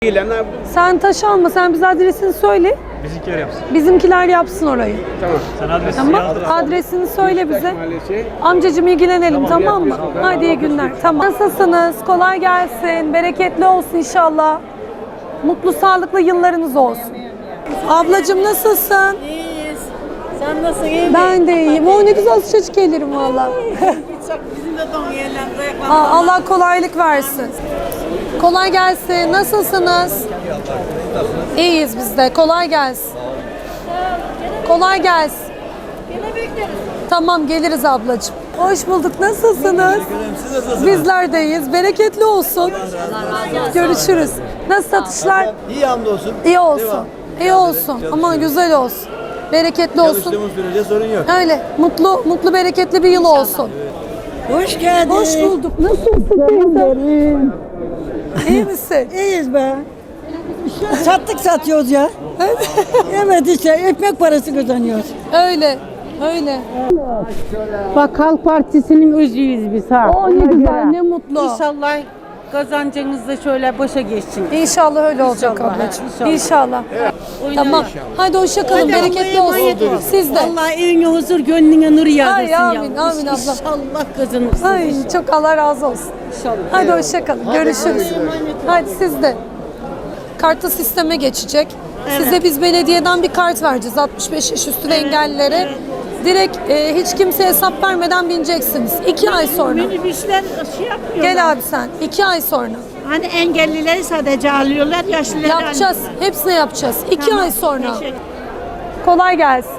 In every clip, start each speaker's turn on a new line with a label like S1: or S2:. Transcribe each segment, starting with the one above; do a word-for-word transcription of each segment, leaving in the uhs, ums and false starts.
S1: İlanlar
S2: Sen taş alma, sen bize adresini söyle.
S3: Bizimkiler yapsın.
S2: Bizimkiler yapsın orayı.
S1: tamam.
S3: Sen adresi
S2: Tamam.
S3: yazdır.
S2: Adresini söyle bize.
S1: Mahallesi.
S2: Amcacığım ilgilenelim, tamam mı?
S1: yapıyorsun.
S2: Hadi iyi günler. Tamam. Nasılsınız? Kolay gelsin. Bereketli olsun inşallah. Mutlu, sağlıklı yıllarınız olsun. Ablacığım nasılsın?
S4: İyiyiz. Sen nasılsın, iyi misin?
S2: Ben de iyiyim. O ne güzel çocuk gelirim valla.
S4: Bizim de don yerlerinde ayaklandık.
S2: Aa, Allah kolaylık versin. Kolay gelsin. Nasılsınız? İyiyiz biz de. Kolay gelsin. Kolay gelsin.
S4: Yine bekleriz.
S2: Tamam, geliriz ablacığım. Hoş bulduk. Nasılsınız? Bizler de iyiyiz. Bereketli olsun. Görüşürüz. Nasıl satışlar?
S5: İyi hamdolsun.
S2: İyi olsun. İyi olsun. Aman güzel olsun. Bereketli olsun.
S5: Çalıştığımız sürece sorun yok.
S2: Öyle. Mutlu, mutlu, bereketli bir yıl olsun.
S4: Hoş geldin.
S2: Hoş bulduk. Nasılsın teyze? İyi misin?
S4: İyiyiz be. Sattık satıyoruz ya. Evet işte ekmek parası kazanıyoruz.
S2: Öyle. Öyle.
S6: Bak Halk Partisi'nin özüyüz biz ha.
S2: O ne güzel, ne mutlu.
S6: İnşallah kazancınız da şöyle boşa geçsin.
S2: İnşallah öyle olacak ablacığım.
S6: inşallah.
S2: İnşallah. Tamam. Hadi hoşça kalın. Bereketli olsun. Siz de.
S6: Allah evine huzur, gönlüne nur yağdırsın
S2: Ay,
S6: ya.
S2: amin, amin abla.
S6: İnşallah kazanırsınız.
S2: Ay çok Allah razı olsun.
S6: İnşallah.
S2: Hadi hoşça kalın. Görüşürüz. Hadi siz de. Kartlı sisteme geçecek. Size biz belediyeden bir kart vereceğiz altmış beş yaş üstü ve engellilere. Direkt e, hiç kimseye hesap vermeden bineceksiniz. İki ay sonra.
S4: Minibüsler şey yapmıyor.
S2: Gel abi sen. İki ay sonra.
S4: Hani engellileri sadece alıyorlar, yaşlıları
S2: Yapacağız. Hepsini yapacağız. İki
S4: Tamam,
S2: ay sonra.
S4: teşekkür-
S2: Kolay gelsin.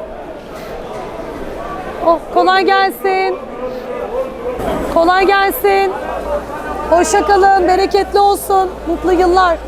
S2: Oh, kolay gelsin. Kolay gelsin. Hoşça kalın. Bereketli olsun. Mutlu yıllar.